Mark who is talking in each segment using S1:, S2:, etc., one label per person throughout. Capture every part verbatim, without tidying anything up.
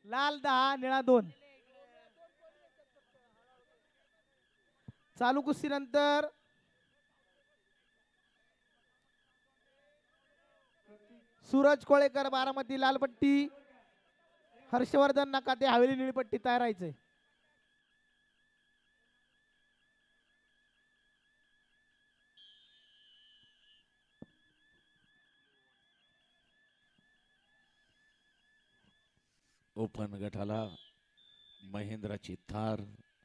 S1: लाल दहा निळा दोन. चालू कुस्ती नंतर सूरज कोळेकर बारामती लालपट्टी, हर्षवर्धन नकाते हवेली निळीपट्टी तयार राहायचंय.
S2: ओपन गटाला महेंद्राची थार,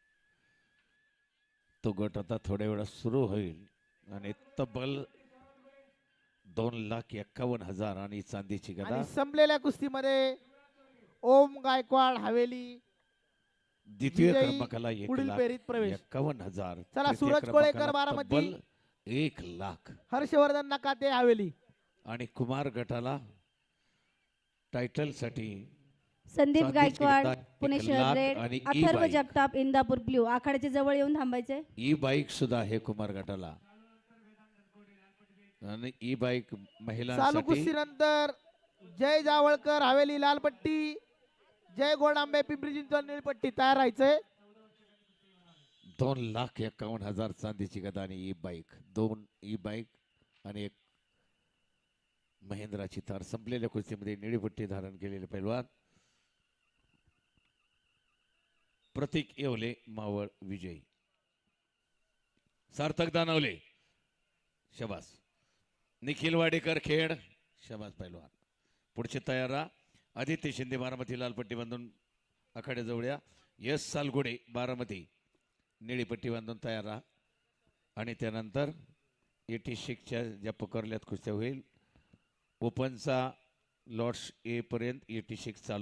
S2: तो गट आता थोड्या वेळात सुरू होईल आणि तब्बल दोन लाख एक्कावन्न हजार आणि चांदीची गदा.
S1: आणि संपलेल्या कुस्तीमध्ये ओम गायकवाड हवेली
S2: द्वितीय
S1: विजयी,
S2: क्रमांकाला एक
S1: पुढील
S2: लाख
S1: फेरीत प्रवेश.
S2: एक्कावन्न हजार.
S1: चला,
S2: तृतीय
S1: सूरज कोळेकर
S2: क्रमांकाला
S1: बारामती,
S2: तब्बल एक लाख.
S1: हर्षवर्धन नकाते हवेली.
S2: आणि कुमार गटाला टायटल साठी
S3: संदीप
S2: चांदीची
S3: गायकवाड
S2: गदा
S3: पुणे
S2: एक
S3: शहर
S2: लाख
S3: रेड,
S2: आणि e
S3: Atharva
S2: bike.
S3: Jagtap Indapur blue. आखाड्याच्या जवळ येऊन थांबायचे.
S2: ई बाईक सुद्धा आहे कुमार गटाला. आणि ई बाईक
S1: चालू
S2: महिलांसाठी
S1: कुस्ती नंतर जय जावळकर हवेली लालपट्टी, जय गोडांबे पिंपरी चिंचवड निळपट्टी तयार राहायचंय.
S2: दोन लाख एक्कावन्न हजार चांदीची गदा आणि ई बाईक, दोन ई बाईक आणि एक महेंद्राची थार. संपलेल्या कुस्तीमध्ये निळी पट्टी धारण केलेले पैलवान प्रतीक येवले मावळ विजयी. सार्थक दानवले शबास. निखिल वाडेकर खेड शबास पैलवान. पुढचे तयार राहा. आदित्य शिंदे बारामती लालपट्टी बांधून आखाड्याजवळ या. यश सालगुडे बारामती निळी पट्टी बांधून तयार राहा. आणि त्यानंतर एटी सिक्सच्या ज्या पकडल्यात कुस्त्या होईल, ओपनचा लॉट्स येईपर्यंत एटी सिक्स चालू.